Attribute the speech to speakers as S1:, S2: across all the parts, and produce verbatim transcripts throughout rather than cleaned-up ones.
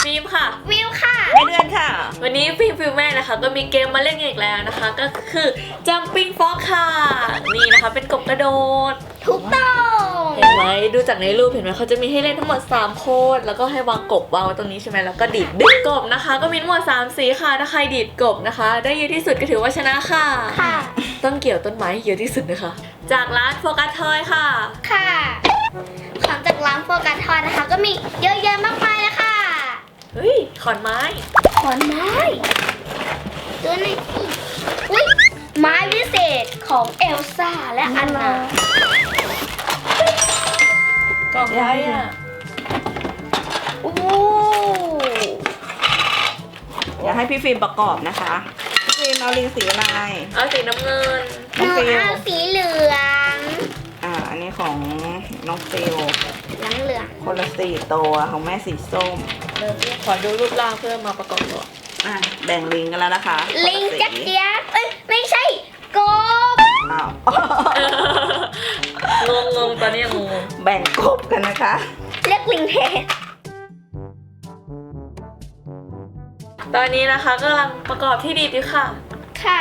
S1: ฟิล์มค่ะ
S2: วิวค่ะ
S3: ไม่เดือนค่ะ
S1: วันนี้ฟิล์มฟิล์มแม่นะคะก็มีเกมมาเล่นอีกแล้วนะคะก็คือ Jumping Frog ค่ะนี่นะคะเป็นกบกระโดด
S2: ถูกต้อง
S1: เห็นไหมดูจากในรูปเห็นไหมเขาจะมีให้เล่นทั้งหมดสามคนแล้วก็ให้วางกบวางไว้ตรงนี้ใช่ไหมแล้วก็ดีดดึงกบนะคะก็มีทั้งหมดสามสีค่ะถ้าใครดีดกบนะคะได้เยอะที่สุดก็ถือว่าชนะค่ะ
S2: ค่ะ
S1: ต้องเกี่ยวต้นไม้เยอะที่สุดนะคะจากร้านโฟกัสทอยค่ะ
S2: ค่ะของจากร้านโฟกัสทอยนะคะก็มีเยอะแยะมากมายเลยค่ะ
S1: เฮ้ยขอนไม้
S2: ขอนไม้ตัวนี้อุ้ยไม้วิเศษของเอลซ่าและอันน
S1: ากล่องอะไรอ่ะ
S2: โอ้
S3: อยากให้พี่ฟิล์มประกอบนะคะพี่ฟิล์มเอาลิงสีอะไร
S1: เอาสีน้ำเงิน
S2: หนูเอาสีเหลือง
S3: อ่าอันนี้ของน้องฟิล
S2: เหลืองเหลือง
S3: คนละสี่ตัวของแม่สีส้ม
S1: เดี๋ยวขอดูรูปร่างเพื่อมาประกอบตัว
S3: อ่ะแบ่งลิงกันแล้วนะคะ
S2: ลิงจักรยานเอ้ยไม่ใช่กบ
S3: อ้าว
S1: งงงงตอนนี้ยังงง
S3: แบ่งกบกันนะคะ
S2: เรียกลิงแทน
S1: ตอนนี้นะคะกำลังประกอบที่ดีอยู่ค่ะ
S2: ค่ะ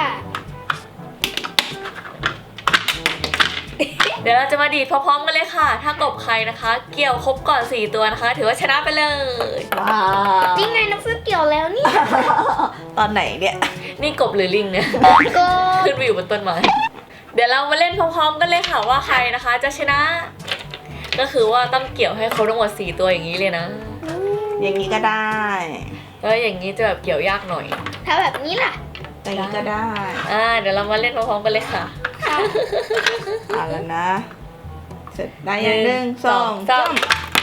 S1: เดี๋ยวเราจะมาดีดพร้อมๆกันเลยค่ะถ้ากบใครนะคะเกี่ยวครบก่อนสี่ตัวนะคะถือว่าชนะไปเลย
S3: ว้าว
S2: จริงไงน้องฟิวเกี่ยวแล้วนี่
S3: ตอนไหนเนี่ย
S1: นี่กบหรือลิงเนี่ย
S2: กบ
S1: ขึ้นไปอยู่บนต้นไม้เดี๋ยวเรามาเล่นพร้อมๆกันเลยค่ะว่าใครนะคะจะชนะก็คือว่าต้องเกี่ยวให้ครบทั้งหมดสี่ตัวอย่างนี้เลยนะ
S3: อย่างนี้ก็ได้
S1: แล้วอย่างนี้จะแบบเกี่ยวยากหน่อย
S2: ถ้าแบบนี้ล่ะ
S3: อย่างนี้ก็ได้
S1: อ่าเดี๋ยวเรามาเล่นพร้อมๆกันเลยค่ะ
S3: เอาแล้วนะเสร็จได้ยังหนึ่งสองสาม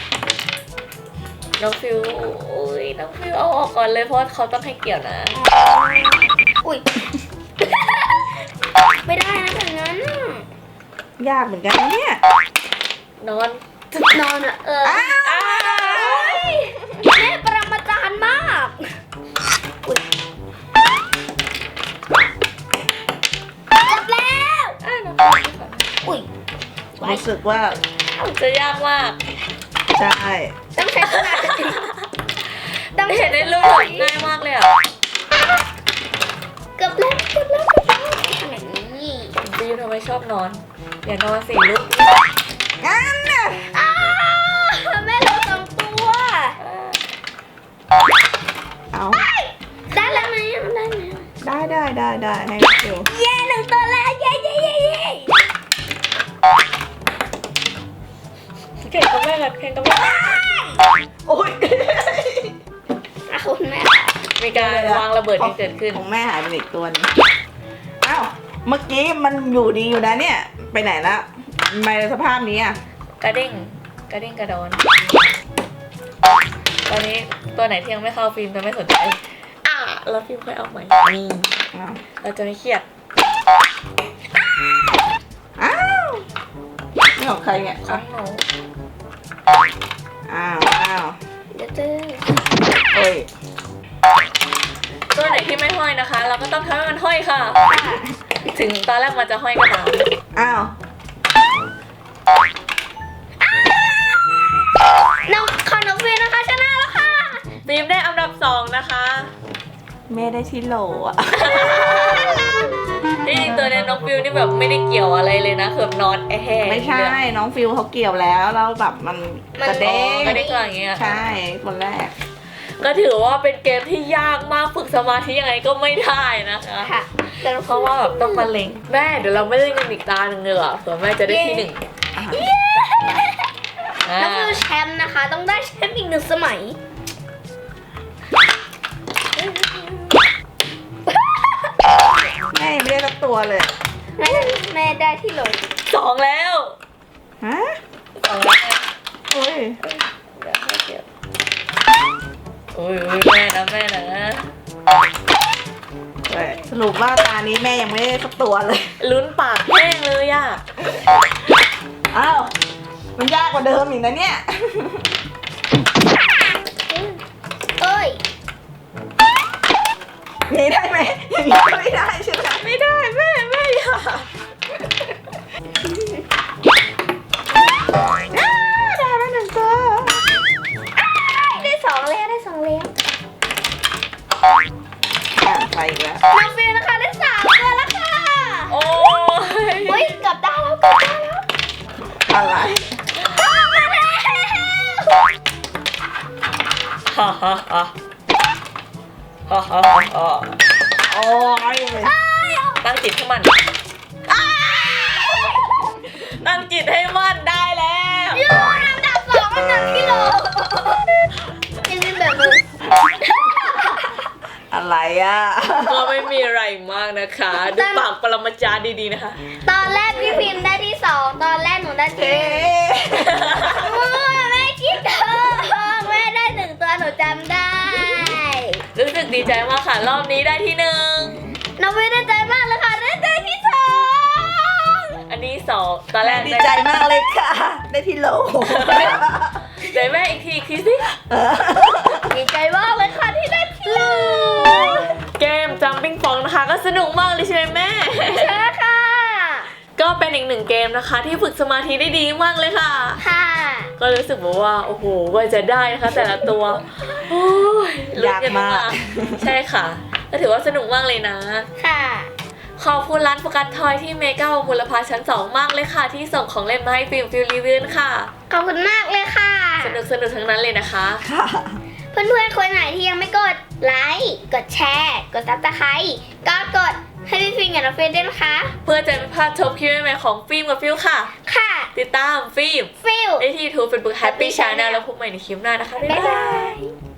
S1: น้องฟิวอุ้ยน้องฟิวเอาออกก่อนเลยเพราะเขาต้องให้เกี่ยวนะ
S2: อุ้ยไม่ได้นะแบบนั้น
S3: ยากเหมือนกันนะเนี่ย
S1: นอน
S2: นอนอ่ะเออแม่ประมาจารย์มากจบแล้วอุ้ย
S3: รู้สึกว่า
S1: จะยากมาก
S3: ใช่
S2: ต้องใช้สมาธิ
S1: ต้องเห็นในรูปง่ายมากเลยอ่ะ
S2: เกือบแล้วเกือบแล้วเกือบแล้วอย่างนี้
S1: ฟิวทำไมชอบนอนอย่านอนสิลูก
S3: งั้นน่ะ
S2: อ้าแม่เราสองตัว
S3: เอา
S2: ได้แล้วไหมได้ไหม
S3: ได้ได้ได้ได้ให้ดู
S2: เย้หนึ่งตัวแล้วเย้เย้เย้เย้
S1: เก่งกับแม่กันเก่งกับแม่
S3: โอ้ย
S2: คุณแม่
S1: มีการวางระเบิดที่เกิดขึ้น
S3: ของแม่หายไปอีกตัวนึงอ้าวเมื่อกี้มันอยู่ดีอยู่นะเนี่ยไปไหนแล้วทำไมสภาพนี้อ่ะ
S1: กระเด้งกระเด้งกระดอนตอนนี้ตัวไหนที่ยังไม่เข้าฟิล์มจะไม่สนใจอ่ะแล้วฟิล์มค่อยเอาใหม่นี่เราจะไม่เครียด
S3: อ้าวนี่ของใครเนี่ย
S1: ของหนู
S3: อ้าวอ้าว
S2: เดี๋ยวเจอ
S3: เฮ้ย
S1: ตัวไหนที่ไม่ห้อยนะคะเราก็ต้องทำให้มันห้อยค่ะถึงตอนแรกมันจะห้อยก็ตาม
S3: อ้าว
S2: น้องขอน้องฟิวนะคะชนะแล้วค่ะ
S1: ฟิล์มได้อันดับสองนะคะ
S3: แม่ได้ที่โหลอ่ะ
S1: ที่จริงตัวนี้น้องฟิวนี่แบบไม่ได้เกี่ยวอะไรเลยนะคือแบบนอนแอะ
S3: ไม่ใช่น้องฟิวเขาเกี่ยวแล้วแล้วแบบมันกระเด้ง
S1: กระเด้งอย่างเงี้ย
S3: ใช่คนแรก
S1: ก็ถือว่าเป็นเกมที่ยากมากฝึกสมาธิยังไงก็ไม่ได้นะคะ
S2: ค่ะ
S1: เพราะว่าแบบต้องมาเล็งแม่เดี๋ยวเราไม่เล่นกันอีกตาหนึ่งเลยอ่ะเผื่อแม่จะได้ที่หนึ่ง
S2: แล้วคือแชมป์นะคะต้องได้แชมป์อีกหนึ่งสมัย
S3: แม่ไม่ได้รับตัวเลย
S2: แม่แม่ได้ที่โหล
S1: สองแล้ว
S3: ฮะ
S1: สองแล้ว
S3: โอ้ย
S1: เดี๋ยวให้เก็บโอ้ยแม่นะแม่นะ
S3: สรุปว่าตานี้แม่ยังไม่ได้สักตัวเลย
S1: ลุ้นปากแห้งเลยอ่ะ
S3: อ้าวมันยากกว่าเดิมอีกนะเนี่ย
S2: เอ้ย
S3: นี่ได้ไหมอย่างนี้ไม่ได้ใช่ไหม
S1: ไม่ได้แม่แม่อย่า
S3: ได้แล้วหนึ่งตัว
S2: ได้สองแล้วได้สองแล้ว
S1: ฮ่าฮ่าฮ่าฮ่าฮ่าฮ่า
S3: โอ้ย
S1: ตั้งจิตให้มันตั้งจิตให้มันได้แล้ว
S2: ยูน้ำดับสองอันดับกิโลยังเป็นแบบมึง
S3: อะไรอ่ะ
S1: ก็ไม่มีอะไรมากนะคะดูปากปรมาจารย์ดีๆนะคะ
S2: ตอนแรกพี่พิมพ์ได้ที่สองตอนแรกหนูได้ที่
S3: เอ๊
S2: หนึ่ง
S3: ะ
S2: แม่คิดเถอะแม่ได้หนึ่งตัวหนูจำได้
S1: รู้สึกดีใจมากค่ะรอบนี้ได้ที่หนึ่ง
S2: น้องไม่ได้ใจมากเลยค่ะได้ใจที่สอง
S1: อันนี้สองตอนแรก
S3: ดีใจมากเลยค่ะ ได้ที่โหล
S1: เดี๋ยวแม่อีกทีอีกทีสิ
S2: ดีใจมากเลยค่ะที่ได้ที่หนึ่ง
S1: เกมจัมปิ้งฟองนะคะก็สนุกมากเลยใช่ไหมแม่
S2: ใช่ค่ะ
S1: ก็เป็นอีกหนึ่งเกมนะคะ ที่ฝึกสมาธิได้ดีมากเลยค่ะ
S2: ค่ะ
S1: ก็รู้สึกแบบว่าโอ้โหว่าจะได้นะคะแต่ละตัวโอ้ยลุ้นน
S3: ยากมาก
S1: ใช่ค่ะก็ถือว่าสนุกมากเลยนะ
S2: ค่ะ
S1: ขอบคุณร้านโฟกัสทอยที่เมกามูลภาชั้นสองมากเลยค่ะ ที่ส่งของเล่นมาให้ฟิล์มฟิลรีวิวค่ะ
S2: ขอบคุณมากเลยค่ะ
S1: สนุกสนุกทั้งนั้นเลยนะคะ
S3: ค่ะ
S2: เพื่อนๆคนไหนที่ยังไม่กดไลค์กดแชร์กดซับสไครต์ก็กดให้พี่ฟิงกับน้องเฟรนด้วยนะคะ
S1: เพื่อจะไม่พลาดชมคลิปใหม่ๆของฟิล์มกับฟิลค่ะ
S2: ค่ะ
S1: ติดตามฟิล์ม
S2: ฟิล
S1: ได้ที่ยูทูบเฟซบุ๊กแฮปปี้ชาแนลแล้วพบใหม่ในคลิปหน้านะคะ บ๊าย
S2: บ๊าย
S1: บา
S2: บาย ย